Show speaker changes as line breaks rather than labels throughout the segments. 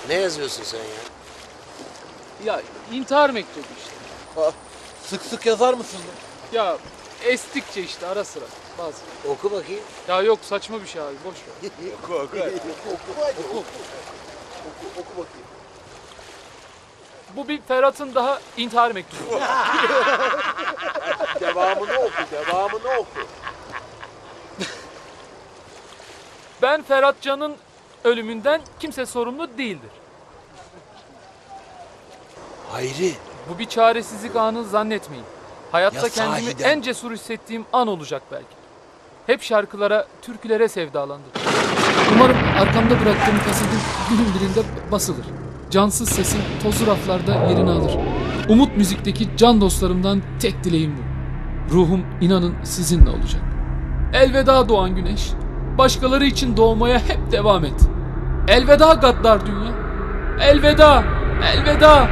Ne yazıyorsun sen ya?
Ya intihar mektubu işte.
Sık sık yazar mısın?
Ya estikçe işte ara sıra bazı.
Oku bakayım.
Ya yok saçma bir şey abi boş ver.
Oku.
Oku bakayım.
Bu bir Ferhat'ın daha intihar mektubu.
Devamını oku.
Ben Ferhat Can'ın ölümünden kimse sorumlu değildir.
Hayri.
Bu bir çaresizlik anı zannetmeyin. Hayatta
Ya
kendimi
sahiden.
en cesur hissettiğim an olacak belki. Hep şarkılara, türkülere sevdalandım. Umarım arkamda bıraktığım kasetin günün birinde basılır. Cansız sesim tozlu raflarda yerini alır. Umut Müzik'teki can dostlarımdan tek dileğim bu. Ruhum inanın sizinle olacak. Elveda doğan güneş. Başkaları için doğmaya hep devam et. Elveda gaddar dünya. Elveda, elveda.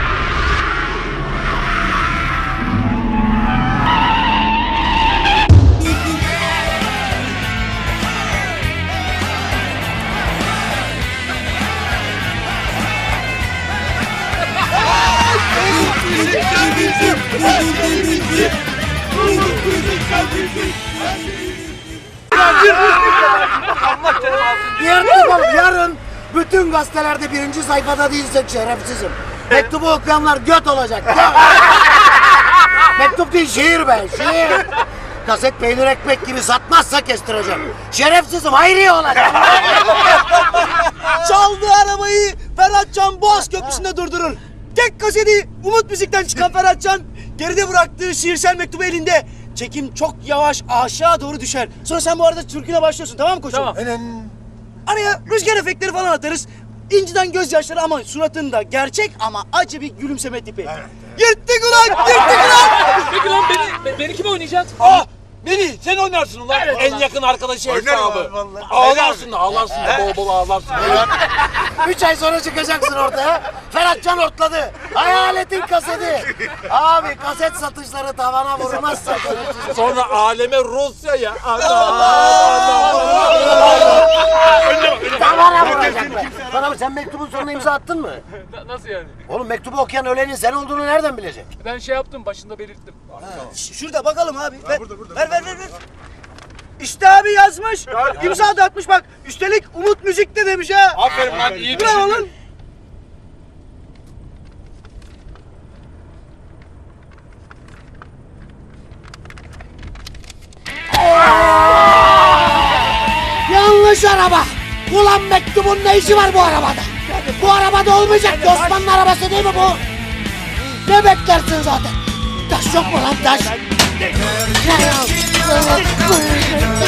Yarın bütün gazetelerde birinci sayfada değilsek şerefsizim. Mektubu okuyanlar göt olacak. Göt. Mektup değil şiir be şiir. Kaset peynir ekmek gibi satmazsa kestireceğim. Şerefsizim Hayriye olacak.
Çaldığı arabayı Ferhatcan Boğaz Köprüsü'nde durdurur. Tek kaseti Umut Müzik'ten çıkan Ferhatcan geride bıraktığı şiirsel mektubu elinde. Çekim çok yavaş aşağı doğru düşer. Sonra sen bu arada türküne başlıyorsun, tamam mı koçum?
Tamam.
Araya rüzgar efektleri falan atarız. İnciden gözyaşları ama suratında gerçek ama acı bir gülümseme tipi. Yırttık ulan!
Peki lan beni kim oynayacak?
Beni sen oynarsın ulan.
Evet,
En
ulan.
yakın arkadaşı
Oynarım
hesabı.
abi vallahi.
Ağlarsın da bol bol ağlarsın.
3 ay sonra çıkacaksın ortaya. Ferhatcan ortladı. Hayaletin kaseti. Abi kaset satışları tavana vurmazsa şerefsizim.
Sonra aleme Rusya'ya.
Tavana vuracaklar. Bana bak, sen mektubun sonuna imza attın mı?
Nasıl yani?
Oğlum mektubu okuyan ölenin sen olduğunu nereden bilecek?
Ben şey yaptım başında belirttim.
Şurada bakalım abi. Ver. İşte abi yazmış. İmza da atmış bak. Üstelik Umut Müzik'te demiş ha.
Aferin lan iyi
Bravo lan.
Yanlış araba. Ulan mektubun ne işi var bu arabada? Bu arabada olmayacak. Osman'ın arabası değil mi bu? Ne beklersin zaten? Taş yok mu lan taş?